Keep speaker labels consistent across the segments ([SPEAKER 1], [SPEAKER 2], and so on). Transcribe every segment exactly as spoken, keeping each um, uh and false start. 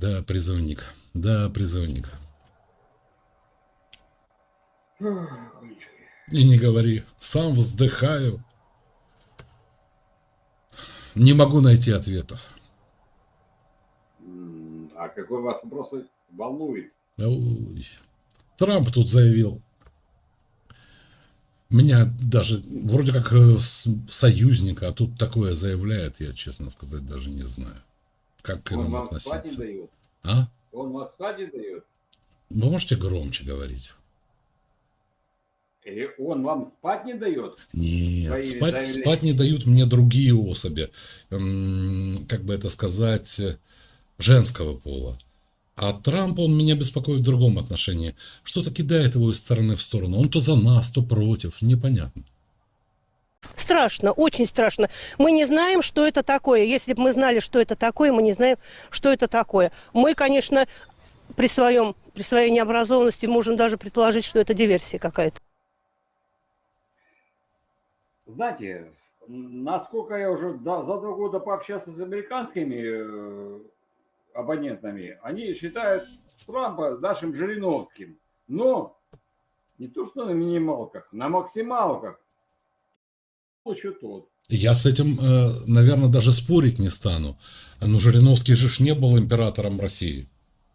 [SPEAKER 1] Да, призывник. Да, призывник. И не говори. Сам вздыхаю. Не могу найти ответов.
[SPEAKER 2] А какой вас вопрос волнует?
[SPEAKER 1] Ой. Трамп тут заявил. Меня даже вроде как союзника, а тут такое заявляет, я, честно сказать, даже не знаю, как к
[SPEAKER 2] Он
[SPEAKER 1] этому
[SPEAKER 2] вам спать не
[SPEAKER 1] относиться.
[SPEAKER 2] дает?
[SPEAKER 1] А?
[SPEAKER 2] Он вам спать не дает?
[SPEAKER 1] Вы можете громче говорить?
[SPEAKER 2] Или он вам спать не дает?
[SPEAKER 1] Нет, спать, спать не дают мне другие особи, эм, как бы это сказать, женского пола. А Трамп, он меня беспокоит в другом отношении. Что-то кидает его из стороны в сторону. Он то за нас, то против. Непонятно.
[SPEAKER 3] Страшно, очень страшно. Мы не знаем, что это такое. Если бы мы знали, что это такое, мы не знаем, что это такое. Мы, конечно, при, своем, при своей необразованности можем даже предположить, что это диверсия какая-то.
[SPEAKER 2] Знаете, насколько я уже за два года пообщался с американскими абонентами, они считают Трампа нашим Жириновским. Но не то, что на минималках, на максималках. Что тот.
[SPEAKER 1] Я с этим, наверное, даже спорить не стану. Но Жириновский же не был императором России.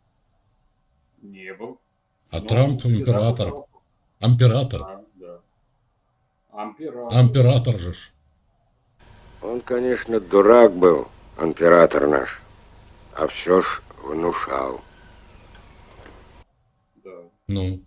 [SPEAKER 2] Не был.
[SPEAKER 1] А Трамп император. Император.
[SPEAKER 2] Да, да. Амператор.
[SPEAKER 1] Амператор же.
[SPEAKER 4] Он, конечно, дурак был, император наш. А все ж внушал.
[SPEAKER 2] Да.
[SPEAKER 1] Ну.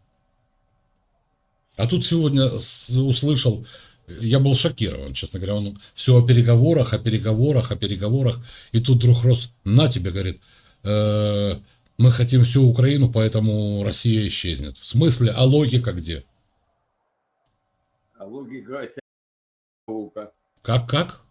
[SPEAKER 1] А тут сегодня услышал, я был шокирован, честно говоря, он все о переговорах, о переговорах, о переговорах. И тут вдруг Рос, на тебе, говорит, э, мы хотим всю Украину, поэтому Россия исчезнет. В смысле, а логика где?
[SPEAKER 2] А логика – наука.
[SPEAKER 1] Как, как?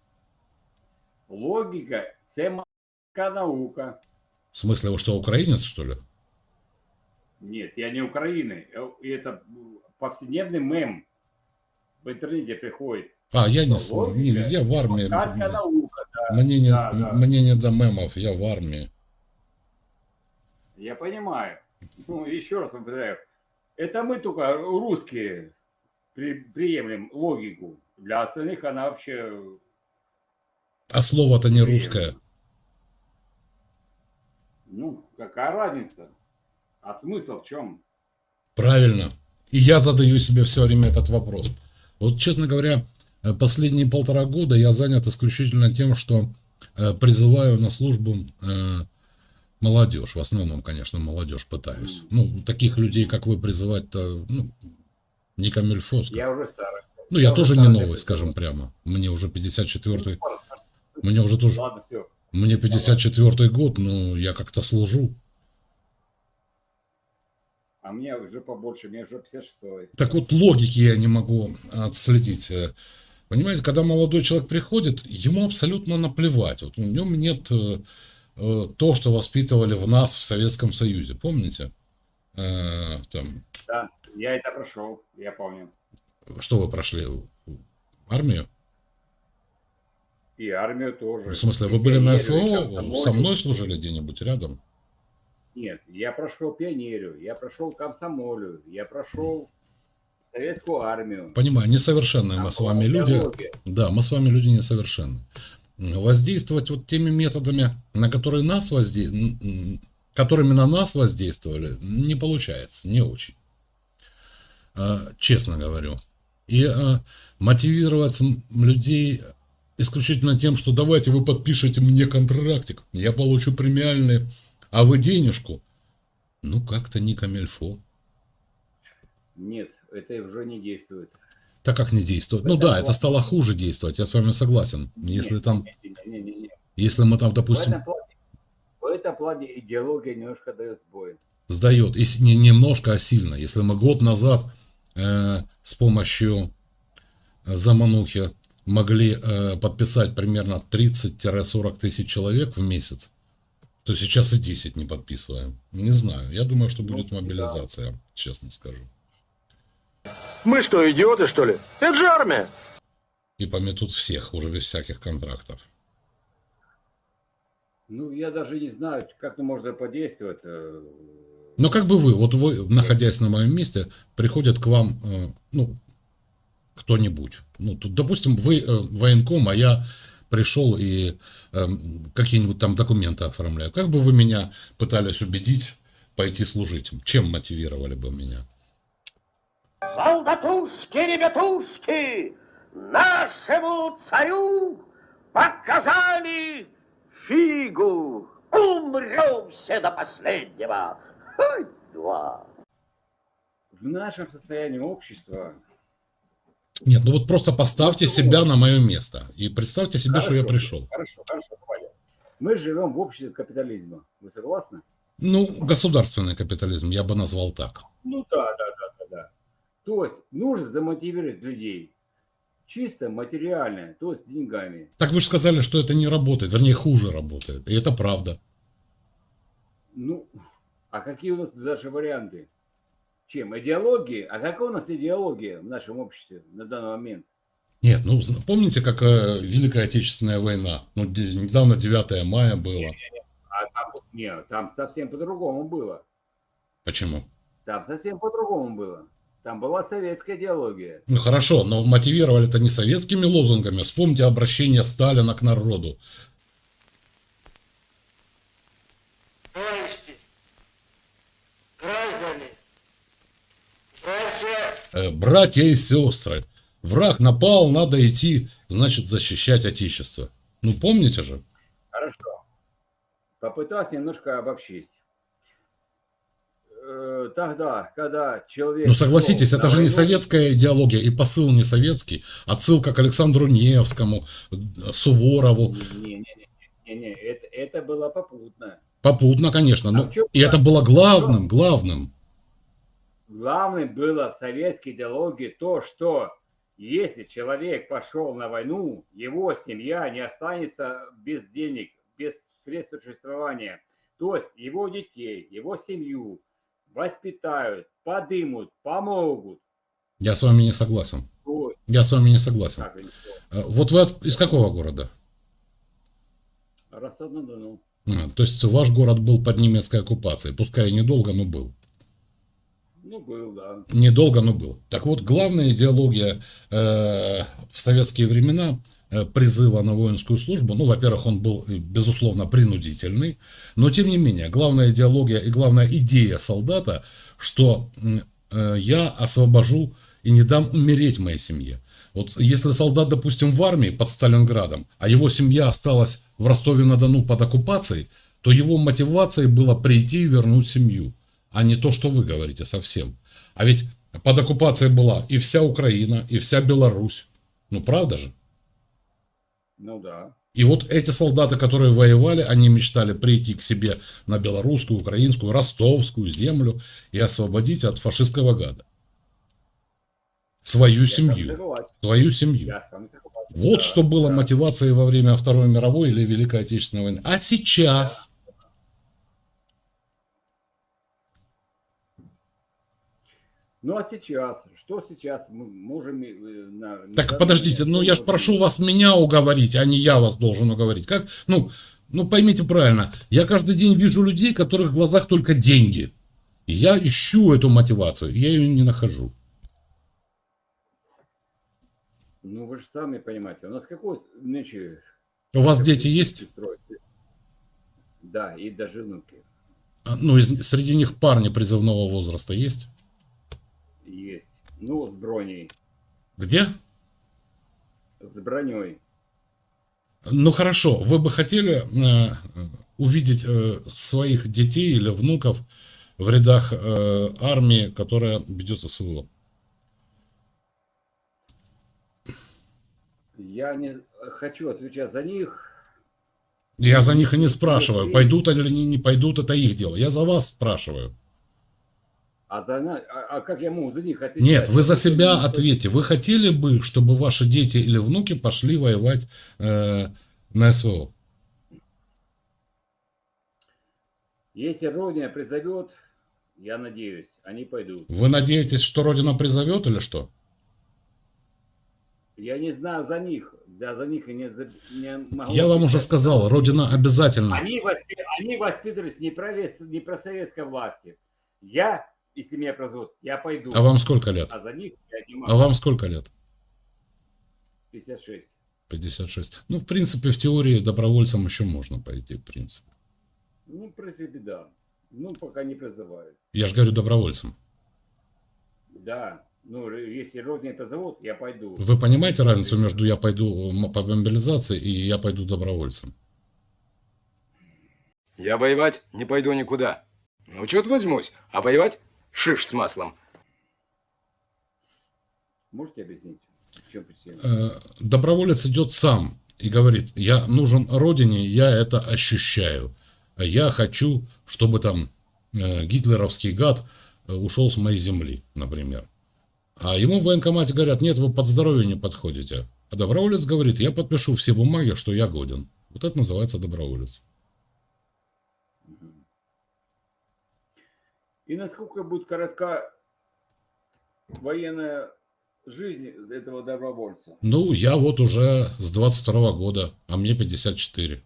[SPEAKER 2] Логика – це наука.
[SPEAKER 1] В смысле, вы что, украинец, что ли?
[SPEAKER 2] Нет, я не Украины. Это повседневный мем. В интернете приходит.
[SPEAKER 1] А, я не, не я в армии.
[SPEAKER 2] Наука, да.
[SPEAKER 1] Мне, не,
[SPEAKER 2] да, да.
[SPEAKER 1] мне не до мемов, я в армии.
[SPEAKER 2] Я понимаю. Ну, еще раз повторяю. Это мы только, русские, при, приемлем логику. Для остальных она вообще...
[SPEAKER 1] А слово-то не русское.
[SPEAKER 2] Ну, какая разница? А смысл в чем?
[SPEAKER 1] Правильно. И я задаю себе все время этот вопрос. Вот, честно говоря, последние полтора года я занят исключительно тем, что призываю на службу молодежь. В основном, конечно, молодежь пытаюсь. Ну, таких людей, как вы, призывать-то, ну, не камильфо.
[SPEAKER 2] Я уже старый.
[SPEAKER 1] Ну, я, я тоже не новый, скажем прямо. Мне уже пятьдесят четвёртый. Мне уже тоже...
[SPEAKER 2] Ладно, все.
[SPEAKER 1] Мне пятьдесят четвёртый год, но я как-то служу.
[SPEAKER 2] А мне уже побольше, мне уже пятьдесят шестой.
[SPEAKER 1] Так вот, логики я не могу отследить. Понимаете, когда молодой человек приходит, ему абсолютно наплевать. Вот в нем нет э, то, что воспитывали в нас в Советском Союзе. Помните? Э, там...
[SPEAKER 2] Да, я это прошел, я помню.
[SPEAKER 1] Что вы прошли? Армию?
[SPEAKER 2] И армию тоже.
[SPEAKER 1] В смысле, вы были на СВО? Со мной служили где-нибудь рядом?
[SPEAKER 2] Нет, я прошел пионерию, я прошел комсомолию, я прошел советскую армию.
[SPEAKER 1] Понимаю, несовершенные мы с вами люди. Да, мы с вами люди несовершенные. Воздействовать вот теми методами, на которые нас возде... которыми на нас воздействовали, не получается, не очень. Честно говорю. И мотивировать людей исключительно тем, что давайте вы подпишите мне контрактик, я получу премиальные, а вы денежку. Ну, как-то не камильфо.
[SPEAKER 2] Нет, это уже не действует.
[SPEAKER 1] Так как не действует? Ну да, это стало хуже действовать, я с вами согласен. Если там, если мы там, допустим...
[SPEAKER 2] В этом плане идеология немножко дает сбой.
[SPEAKER 1] Сдает, и не немножко, а сильно. Если мы год назад э, с помощью заманухи могли э, подписать примерно тридцать-сорок тысяч человек в месяц, то сейчас и десять не подписываем. Не знаю. Я думаю, что будет мобилизация, да. Честно скажу.
[SPEAKER 5] Мы что, идиоты, что ли? Это же армия.
[SPEAKER 1] И пометут всех, уже без всяких контрактов.
[SPEAKER 2] Ну, я даже не знаю, как это можно подействовать. э,
[SPEAKER 1] Но как бы вы, вот вы, находясь на моем месте, приходит к вам, э, ну, кто-нибудь. Ну, тут, допустим, вы э, военком, а я пришел и э, какие-нибудь там документы оформляю. Как бы вы меня пытались убедить пойти служить? Чем мотивировали бы меня?
[SPEAKER 6] Солдатушки, ребятушки, нашему царю показали фигу. Умрем все до последнего. Хоть два.
[SPEAKER 2] В нашем состоянии общества...
[SPEAKER 1] Нет, ну вот просто поставьте себя на мое место и представьте себе, что я
[SPEAKER 2] Хорошо,
[SPEAKER 1] пришел.
[SPEAKER 2] Хорошо, хорошо, Валя. Мы живем в обществе капитализма. Вы согласны?
[SPEAKER 1] Ну, государственный капитализм, я бы назвал так.
[SPEAKER 2] Ну да, да, да, да, да. То есть нужно замотивировать людей чисто материально, то есть деньгами.
[SPEAKER 1] Так вы же сказали, что это не работает, вернее, хуже работает. И это правда.
[SPEAKER 2] Ну, а какие у нас даже варианты? Чем? Идеологии? А какая у нас идеология в нашем обществе на данный момент?
[SPEAKER 1] Нет, ну зна- помните, как э, Великая Отечественная война? Ну, де- недавно девятое мая было.
[SPEAKER 2] А там, нет, там совсем по-другому было.
[SPEAKER 1] Почему?
[SPEAKER 2] Там совсем по-другому было. Там была советская идеология.
[SPEAKER 1] Ну хорошо, но мотивировали это не советскими лозунгами. Вспомните обращение Сталина к народу.
[SPEAKER 6] Товарищи, граждане, братья,
[SPEAKER 1] Э, братья и сестры, враг напал, надо идти, значит, защищать Отечество. Ну помните же?
[SPEAKER 2] Хорошо. Попытаюсь немножко обобщить. Э, Тогда, когда человек...
[SPEAKER 1] Ну согласитесь,
[SPEAKER 2] шел
[SPEAKER 1] это
[SPEAKER 2] на
[SPEAKER 1] же не
[SPEAKER 2] войну,
[SPEAKER 1] советская идеология, и посыл не советский. Отсылка к Александру Невскому, э, Суворову.
[SPEAKER 2] Не-не-не, это, это было попутно.
[SPEAKER 1] Попутно, конечно.
[SPEAKER 2] А
[SPEAKER 1] Но
[SPEAKER 2] в чём
[SPEAKER 1] и это было главным, главным.
[SPEAKER 2] Главным было в советской идеологии то, что если человек пошел на войну, его семья не останется без денег, без средств существования. То есть его детей, его семью воспитают, подымут, помогут.
[SPEAKER 1] Я с вами не согласен.
[SPEAKER 2] Ой,
[SPEAKER 1] Я с вами не согласен.
[SPEAKER 2] как они сказали,
[SPEAKER 1] Э, Вот вы от- из какого города?
[SPEAKER 2] Ростов-на-Дону.
[SPEAKER 1] А, то есть ваш город был под немецкой оккупацией. Пускай и недолго, но был.
[SPEAKER 2] Ну, был, да.
[SPEAKER 1] Недолго, но был. Так вот, главная идеология э, в советские времена э, призыва на воинскую службу, ну, во-первых, он был, э, безусловно, принудительный, но, тем не менее, главная идеология и главная идея солдата, что э, я освобожу и не дам умереть моей семье. Вот если солдат, допустим, в армии под Сталинградом, а его семья осталась в Ростове-на-Дону под оккупацией, то его мотивацией было прийти и вернуть семью, а не то, что вы говорите совсем. А ведь под оккупацией была и вся Украина, и вся Беларусь. Ну, правда же?
[SPEAKER 2] Ну, да.
[SPEAKER 1] И вот эти солдаты, которые воевали, они мечтали прийти к себе на белорусскую, украинскую, ростовскую землю и освободить от фашистского гада. Свою
[SPEAKER 2] Я с вами
[SPEAKER 1] семью.
[SPEAKER 2] согласен.
[SPEAKER 1] Вот семью.
[SPEAKER 2] Я с вами согласен.
[SPEAKER 1] Вот
[SPEAKER 2] Да,
[SPEAKER 1] что было
[SPEAKER 2] да.
[SPEAKER 1] мотивацией во время Второй мировой или Великой Отечественной войны. А сейчас...
[SPEAKER 2] Ну, а сейчас? Что сейчас мы можем... э, на- на
[SPEAKER 1] Так
[SPEAKER 2] данный
[SPEAKER 1] подождите,
[SPEAKER 2] момент
[SPEAKER 1] ну
[SPEAKER 2] что
[SPEAKER 1] я ж
[SPEAKER 2] можем-
[SPEAKER 1] прошу вас меня уговорить, а не я вас должен уговорить. Как? Ну, ну поймите правильно, я каждый день вижу людей, которых в глазах только деньги. И я ищу эту мотивацию, я ее не нахожу.
[SPEAKER 2] Ну, вы же сами понимаете, у нас какой нынче...
[SPEAKER 1] У вас
[SPEAKER 2] какой
[SPEAKER 1] дети есть?
[SPEAKER 2] строй? Да, и даже внуки
[SPEAKER 1] А, Ну, из- среди них парни призывного возраста есть?
[SPEAKER 2] есть. Ну, с броней.
[SPEAKER 1] Где?
[SPEAKER 2] С броней.
[SPEAKER 1] Ну хорошо, вы бы хотели э, увидеть э, своих детей или внуков в рядах э, армии, которая ведет СВО?
[SPEAKER 2] Я не хочу отвечать за них.
[SPEAKER 1] Я за них и не спрашиваю, пойдут они или не пойдут, это их дело. Я за вас спрашиваю.
[SPEAKER 2] А, за, на- а, а как я могу за них отвечать?
[SPEAKER 1] Нет, вы за
[SPEAKER 2] Если
[SPEAKER 1] себя
[SPEAKER 2] они-
[SPEAKER 1] ответьте. Вы хотели бы, чтобы ваши дети или внуки пошли воевать э, на СВО?
[SPEAKER 2] Если Родина призовет, я надеюсь, они пойдут.
[SPEAKER 1] Вы надеетесь, что Родина призовет или что?
[SPEAKER 2] Я не знаю за них. За, за них и не, за- не могло
[SPEAKER 1] Я вам уже
[SPEAKER 2] писать.
[SPEAKER 1] сказал, Родина обязательно.
[SPEAKER 2] Они, воспи- они воспитывались не про, вес- не про советской власти. Я, если меня прозовут, я пойду.
[SPEAKER 1] А вам сколько лет?
[SPEAKER 2] А за них я не
[SPEAKER 1] А
[SPEAKER 2] могу.
[SPEAKER 1] вам сколько лет?
[SPEAKER 2] пятьдесят шесть.
[SPEAKER 1] пятьдесят шесть. Ну, в принципе, в теории добровольцам еще можно пойти, в принципе.
[SPEAKER 2] Ну, в принципе, да. Ну, пока не призывают.
[SPEAKER 1] Я же говорю добровольцам.
[SPEAKER 2] Да. Ну, если родные позовут, я пойду.
[SPEAKER 1] Вы понимаете разницу между я пойду м- по мобилизации и я пойду добровольцем?
[SPEAKER 7] Я воевать не пойду никуда. На учет возьмусь, а воевать шиш с маслом.
[SPEAKER 2] Можете объяснить, в чем причина?
[SPEAKER 1] Э, Доброволец идет сам и говорит, я нужен родине, я это ощущаю. Я хочу, чтобы там э, гитлеровский гад э, ушел с моей земли, например. А ему в военкомате говорят, нет, вы под здоровье не подходите. А доброволец говорит, я подпишу все бумаги, что я годен. Вот это называется доброволец.
[SPEAKER 2] И насколько будет коротка военная жизнь этого добровольца?
[SPEAKER 1] Ну, я вот уже с двадцать второго года, а мне пятьдесят четыре.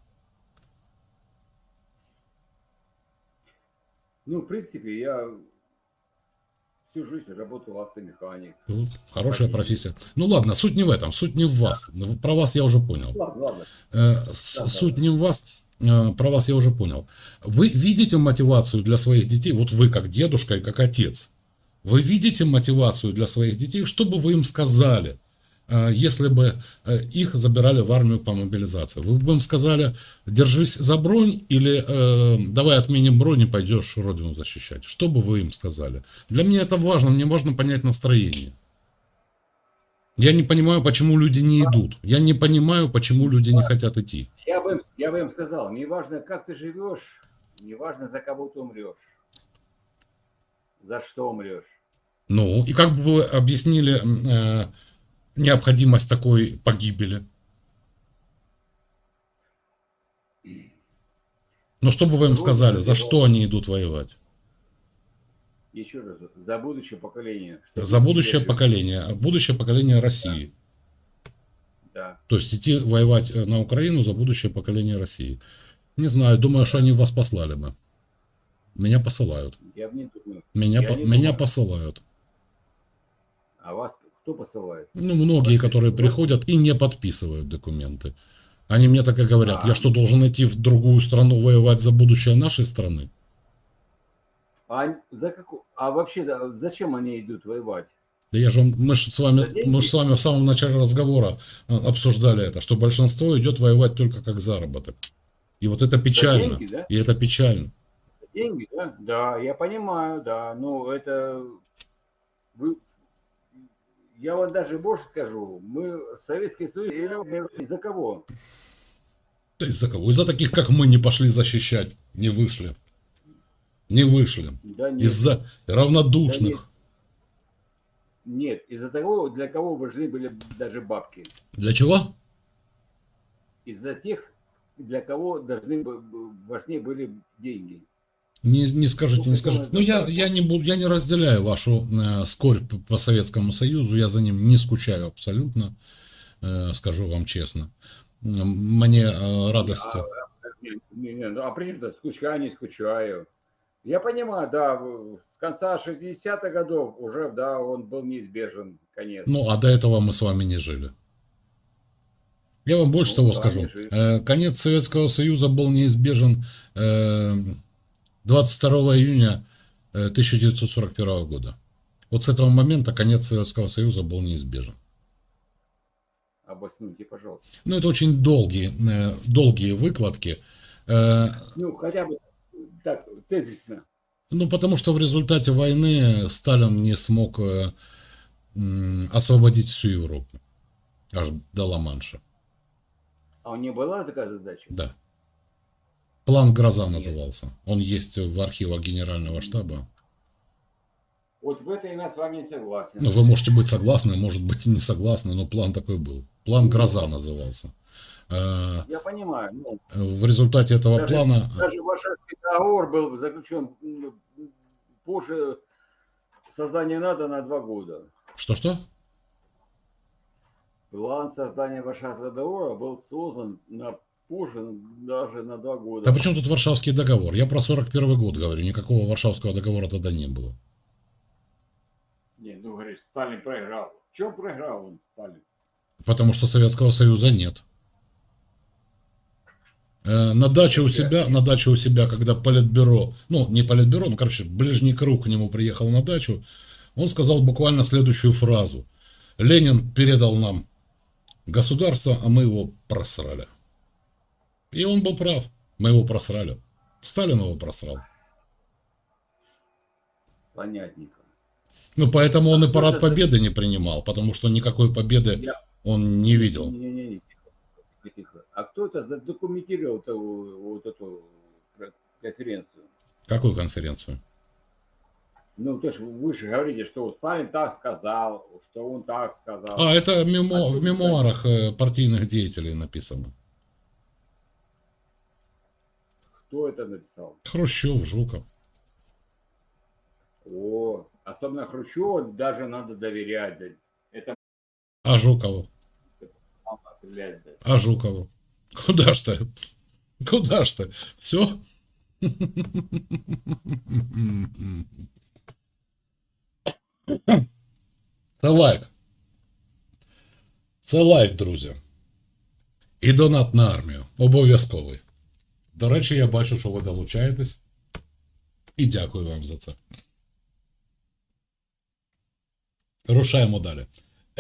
[SPEAKER 2] Ну, в принципе, я всю жизнь работал автомеханик.
[SPEAKER 1] Ну, хорошая профессия. Ну ладно, суть не в этом, суть не в вас. Про вас я уже понял.
[SPEAKER 2] Ладно, ладно.
[SPEAKER 1] Э, с-
[SPEAKER 2] Да,
[SPEAKER 1] суть
[SPEAKER 2] да.
[SPEAKER 1] не в вас, э, про вас я уже понял. Вы видите мотивацию для своих детей, вот вы как дедушка и как отец, вы видите мотивацию для своих детей, что бы вы им сказали, э, если бы э, их забирали в армию по мобилизации? Вы бы им сказали, держись за бронь или э, давай отменим бронь и пойдешь родину защищать? Что бы вы им сказали? Для меня это важно, мне важно понять настроение. Я не понимаю, почему люди не идут. Я не понимаю, почему люди не хотят идти.
[SPEAKER 2] Я бы, им- я бы им сказал, не важно, как ты живешь, не важно, за кого ты умрешь. За что умрешь.
[SPEAKER 1] Ну, и как бы вы объяснили э, необходимость такой погибели? Ну, что бы вы им сказали, за что они идут воевать?
[SPEAKER 2] Еще раз, за будущее поколение. Чтобы
[SPEAKER 1] За будущее
[SPEAKER 2] люди-
[SPEAKER 1] поколение, будущее поколение России.
[SPEAKER 2] Да.
[SPEAKER 1] То есть идти воевать э, на Украину за будущее поколение России. Не знаю, думаю, что они вас послали бы. Меня посылают.
[SPEAKER 2] Я бы не думаю.
[SPEAKER 1] Меня,
[SPEAKER 2] Я
[SPEAKER 1] по-
[SPEAKER 2] не
[SPEAKER 1] меня
[SPEAKER 2] думаю.
[SPEAKER 1] посылают.
[SPEAKER 2] А вас кто посылает?
[SPEAKER 1] Ну, многие, которые приходят и не подписывают документы. Они мне так и говорят,
[SPEAKER 2] А.
[SPEAKER 1] я что, должен идти в другую страну воевать за будущее нашей страны?
[SPEAKER 2] А, за каку... а вообще, да, зачем они идут воевать?
[SPEAKER 1] Да я же, вам- мы же с вами,
[SPEAKER 2] За деньги?
[SPEAKER 1] мы же с вами в самом начале разговора э, обсуждали это, что большинство идет воевать только как заработок. И вот это печально.
[SPEAKER 2] деньги, да?
[SPEAKER 1] И это печально.
[SPEAKER 2] Деньги, да? Да, я понимаю, да. Ну, это... Вы... Я вам даже больше скажу. Мы Советский Союз или из-за кого?
[SPEAKER 1] Да из-за кого? Из-за таких, как мы, не пошли защищать. Не вышли. Не вышли.
[SPEAKER 2] Да нет.
[SPEAKER 1] Из-за равнодушных.
[SPEAKER 2] Нет, из-за того, для кого важны были даже бабки.
[SPEAKER 1] Для чего?
[SPEAKER 2] Из-за тех, для кого должны бы- важнее были деньги.
[SPEAKER 1] Не, не скажите,
[SPEAKER 2] Ну,
[SPEAKER 1] не
[SPEAKER 2] какого
[SPEAKER 1] скажите. Ну,
[SPEAKER 2] это
[SPEAKER 1] я,
[SPEAKER 2] такого?
[SPEAKER 1] я, не буду, я не разделяю вашу э, скорбь по Советскому Союзу. Я за ним не скучаю абсолютно. э, скажу вам честно. М, Мне э, радости.
[SPEAKER 2] Не, не, не, ну, а при чем тут скучаю, не скучаю. Я понимаю, да, в- с конца шестидесятых годов уже, да, он был неизбежен, конец.
[SPEAKER 1] Ну, а до этого мы с вами не жили. Я вам больше
[SPEAKER 2] Ну,
[SPEAKER 1] того
[SPEAKER 2] да,
[SPEAKER 1] скажу.
[SPEAKER 2] не жили.
[SPEAKER 1] Э, Конец Советского Союза был неизбежен э, двадцать второго июня э, тысяча девятьсот сорок первого года. Вот с этого момента конец Советского Союза был неизбежен.
[SPEAKER 2] Обоснуйте, пожалуйста.
[SPEAKER 1] Ну, это очень долгие, э, долгие выкладки. Э,
[SPEAKER 2] Ну, хотя бы так, тезисно.
[SPEAKER 1] Ну, потому что в результате войны Сталин не смог э, м, освободить всю Европу. Аж до Ла-Манша.
[SPEAKER 2] А у него была такая задача?
[SPEAKER 1] Да. План «Гроза» назывался. Он есть в архивах Генерального штаба.
[SPEAKER 2] Вот в этом я с вами не согласен.
[SPEAKER 1] Ну, вы можете быть согласны, может быть и не согласны, но план такой был. План «Гроза» назывался. Э,
[SPEAKER 2] Я понимаю. Ну,
[SPEAKER 1] В результате этого
[SPEAKER 2] даже,
[SPEAKER 1] плана...
[SPEAKER 2] даже Варшавский договор был заключен м, позже создания НАТО на два года.
[SPEAKER 1] Что-что?
[SPEAKER 2] План создания Варшавского договора был создан на позже даже на два года.
[SPEAKER 1] Да при чем тут Варшавский договор? Я про сорок первый год говорю. Никакого Варшавского договора тогда не было.
[SPEAKER 2] Не, ну говоришь, Сталин проиграл. В чем проиграл он, Сталин?
[SPEAKER 1] Потому что Советского Союза нет. Э, На даче у себя, на даче у себя, когда политбюро, ну не политбюро, ну короче, ближний круг к нему приехал на дачу, он сказал буквально следующую фразу. Ленин передал нам государство, а мы его просрали. И он был прав. Мы его просрали. Сталин его просрал.
[SPEAKER 2] Понятненько.
[SPEAKER 1] Ну, поэтому он и
[SPEAKER 2] А
[SPEAKER 1] парад
[SPEAKER 2] кто это-
[SPEAKER 1] победы не принимал, потому что никакой победы
[SPEAKER 2] Я-
[SPEAKER 1] он не видел.
[SPEAKER 2] Не-не-не, тихо, тихо. А кто это задокументировал эту, вот эту конференцию?
[SPEAKER 1] Какую конференцию?
[SPEAKER 2] Ну, то есть вы же говорите, что вот Сталин так сказал, что он так сказал.
[SPEAKER 1] А, это мемо-
[SPEAKER 2] А
[SPEAKER 1] в
[SPEAKER 2] что
[SPEAKER 1] мемуарах э, партийных деятелей написано.
[SPEAKER 2] Кто это написал?
[SPEAKER 1] Хрущев, Жуков.
[SPEAKER 2] О, особенно Хрущеву даже надо доверять. Да. Это
[SPEAKER 1] А Жукову?
[SPEAKER 2] мама стрелять, да.
[SPEAKER 1] А Жукову? Куда ж ты? Куда ж ты? Все? Це лайк. Це лайк, друзі. І донат на армію. Обов'язковий. До речі, я бачу, що ви долучаєтесь. І дякую вам за це. Рушаємо далі.